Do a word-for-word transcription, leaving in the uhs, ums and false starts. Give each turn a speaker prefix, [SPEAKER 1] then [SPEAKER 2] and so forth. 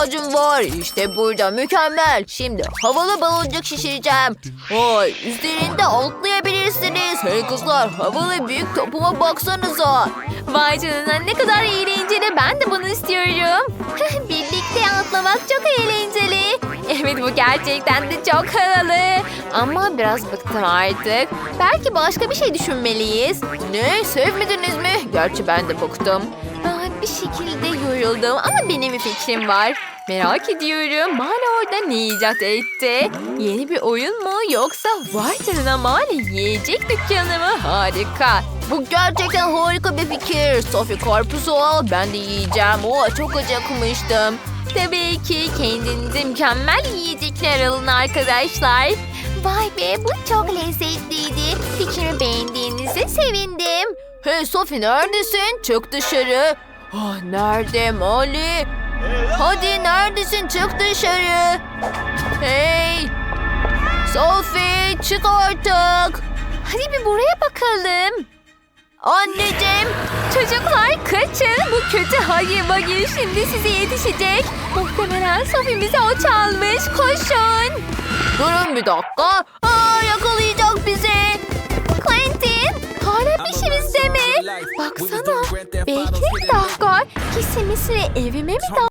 [SPEAKER 1] ihtiyacım var. İşte burada mükemmel. Şimdi havalı baloncuk şişireceğim. Vay, üzerinde atlayabilirsiniz. Hey kızlar, havalı büyük topuma baksanıza.
[SPEAKER 2] Vay canına, ne kadar eğlenceli. Ben de bunu istiyorum. Birlikte atlamak çok eğlenceli. Evet, bu gerçekten de çok havalı. Ama biraz bıktım artık. Belki başka bir şey düşünmeliyiz.
[SPEAKER 1] Ne, sevmediniz mi? Gerçi ben de bıktım.
[SPEAKER 2] Aa, bir şekilde yoruldum ama benim bir fikrim var. Merak ediyorum, Mane orada ne icat etti? Yeni bir oyun mu yoksa vay canına Mane yiyecek dükkanı mı? Harika.
[SPEAKER 1] Bu gerçekten harika bir fikir. Sophie, karpuzu al, ben de yiyeceğim. Oo, çok acıkmıştım.
[SPEAKER 2] Tabii ki kendinize mükemmel yiyecekler alın arkadaşlar. Vay be, bu çok lezzetliydi. Fikrimi beğendiğinize sevindim.
[SPEAKER 1] Hey Sophie, neredesin? Çık dışarı. Ah, nerede Molly? Hadi neredesin? Çık dışarı. Hey! Sophie, çık artık.
[SPEAKER 2] Hadi bir buraya bakalım.
[SPEAKER 1] Anneciğim.
[SPEAKER 2] Çocuklar kaçın. Bu kötü Huggy Wuggy şimdi size yetişecek. Muhtemelen Sophie'mize o çalmış. Koşun.
[SPEAKER 1] Durun bir dakika. Aa, yakalayacak bizi.
[SPEAKER 2] Quentin, hala peşimizde mi? Baksana. Bekle bir dakika. Kesinlikle evime mi